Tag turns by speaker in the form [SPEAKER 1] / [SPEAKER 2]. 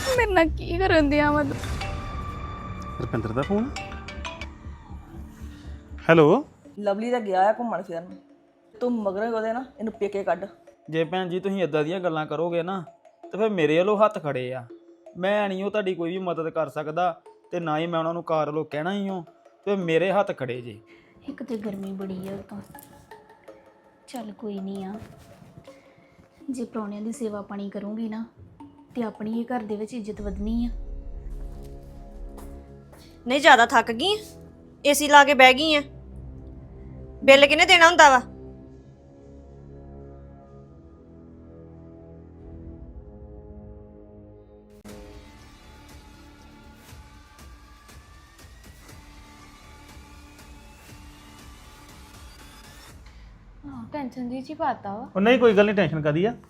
[SPEAKER 1] ਮੇਰੇ ਨਾਲ ਕੀ ਕਰਨ ਦਿਆ ਵਾ
[SPEAKER 2] ਰੁਪਿੰਦਰ ਦਾ ਫੋਨ। ਹੈਲੋ।
[SPEAKER 3] ਲਵਲੀ ਤਾਂ ਗਿਆ ਆ ਘੁੰਮਣ ਫਿਰਨ। ਤੂੰ ਮਗਰ ਉਹਦੇ ਨਾ ਇਹਨੂੰ ਪੇਕੇ ਕੱਢ।
[SPEAKER 4] ਜੇ ਭੈਣ ਜੀ ਤੁਸੀਂ ਇਦਾਂ ਦੀਆਂ ਗੱਲਾਂ ਕਰੋਗੇ ਨਾ ਤੇ ਫਿਰ ਮੇਰੇ ਵੱਲੋਂ ਹੱਥ ਖੜੇ ਆ। ਮੈਂ ਨਹੀਂ ਉਹ ਤੁਹਾਡੀ ਕੋਈ ਵੀ ਮਦਦ ਕਰ ਸਕਦਾ ਤੇ ਨਾ ਹੀ ਮੈਂ ਉਹਨਾਂ ਨੂੰ ਕਾਰ ਵੱਲੋਂ ਕਹਿਣਾ ਹੀ ਹਾਂ ਤੇ ਮੇਰੇ ਹੱਥ ਖੜੇ ਜੇ।
[SPEAKER 1] ਇੱਕ ਤੇ ਗਰਮੀ ਬੜੀ ਆ ਤਾਂ ਚੱਲ ਕੋਈ ਨਹੀਂ ਆ। ਜੇ ਪ੍ਰਾਹੁਣਿਆਂ ਦੀ ਸੇਵਾ ਪਾਣੀ ਕਰੂੰਗੀ ਨਾ ਤੇ ਆਪਣੀ ਇਹ ਘਰ ਦੇ ਵਿੱਚ ਇੱਜ਼ਤ ਵਧਣੀ ਆ।
[SPEAKER 5] ਨਹੀਂ ਜ਼ਿਆਦਾ ਥੱਕ ਗਈ ਏਸੀ ਲਾ ਕੇ ਬਹਿ ਗਈ ਆ। ਬਿੱਲ ਕਿਹਨੇ ਦੇਣਾ ਹੁੰਦਾ ਵਾ?
[SPEAKER 1] ਹਾਂ ਟੈਨਸ਼ਨ ਜੀ ਪਾਤਾ ਵਾ।
[SPEAKER 2] ਉਹ ਨਹੀਂ ਕੋਈ ਗੱਲ ਨਹੀਂ, ਟੈਨਸ਼ਨ ਕਾਦੀ ਆ।